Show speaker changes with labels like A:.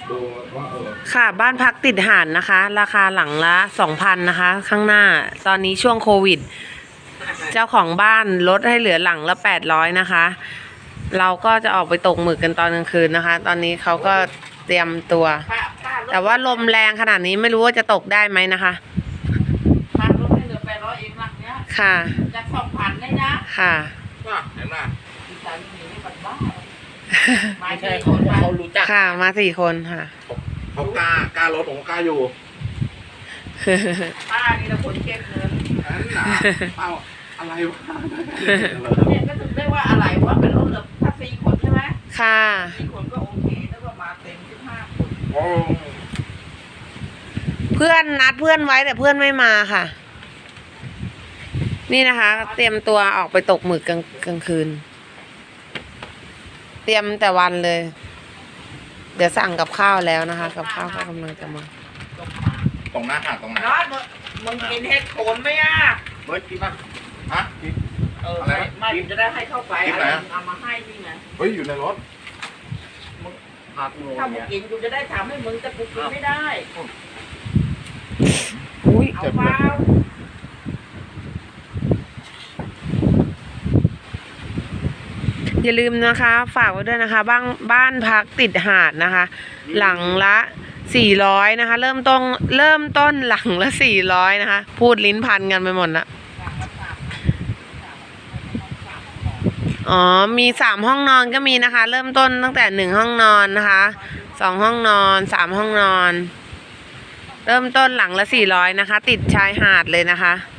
A: ดูว่า
B: ค่ะบ้านพักติดหาดนะคะ ราคาหลังละ 2,000 นะคะ ข้างหน้าตอนนี้ช่วงโควิด เจ้าของบ้านลดให้เหลือหลังละ 800 นะคะ เราก็จะออกไปตกหมึกกันตอนกลางคืนนะคะ ตอนนี้เขาก็เตรียมตัว แต่ว่าลมแรงขนาดนี้ไม่รู้ว่าจะตกได้ไหมนะคะ
C: มาลดให้เหลือ800เองหลังเนี้ย
B: ค่ะ
C: จาก2,000เลยนะ
B: ค่ะ
A: เห็นไหม
C: อีสานมีนี่บัดบ้าไม่
A: ไม่
C: ใช่
A: ใช่
C: คน
A: เขารู้จัก
B: ค่ะมา4 คนค่ะ
A: เขากล้ารถผมกล้าอยู่
C: ป้านี่ละคนเก็บเงิน
A: นั่นนะเอ้าอะไรวะ
C: เนี่ยก็ถึงได้ว่าอะไรว่าเป็นรถแบบถ้า4 คนใช่ไหม
B: ค่ะ
C: 4 คนก็โอเคแล้วก็มาเต็ม15 คน
A: โอ้
B: เพื่อนนัดเพื่อนไว้แต่เพื่อนไม่มาค่ะ นี่นะคะ เตรียมตัวออกไปตกหมึกกลางคืน เตรียมแต่วันเลย เดี๋ยวสั่งกับข้าวแล้วนะคะ กับข้าวก็กำลังจะมา
A: ตรงหน้าหาดตรงไหน
C: น้อยมึงกินเห็ดโขนไหมอ่ะ
A: เฮ้ยกินป่ะฮะกิน
C: ไม่จะได้ให้เข้าไปเอามาให้นี่ไง
A: เฮ้ยอยู่ในรถ
C: ถ้ามึงกินกูจะได้ทำให้มึงแต่กูกินไม่ได้
B: อุ้ย
C: เอาเปล่า
B: อย่าลืมนะคะ ฝากไว้ด้วยนะคะ บ้านพักติดหาดนะคะ หลังละ400นะคะ เริ่มต้นหลังละ400นะคะ พูดลิ้นพันกันไปหมดละอ๋อมี3 ห้องนอนก็มีนะคะ เริ่มต้นตั้งแต่1 ห้องนอนนะคะ2 ห้องนอน3 ห้องนอน เริ่มต้นหลังละ400นะคะ ติดชายหาดเลยนะคะ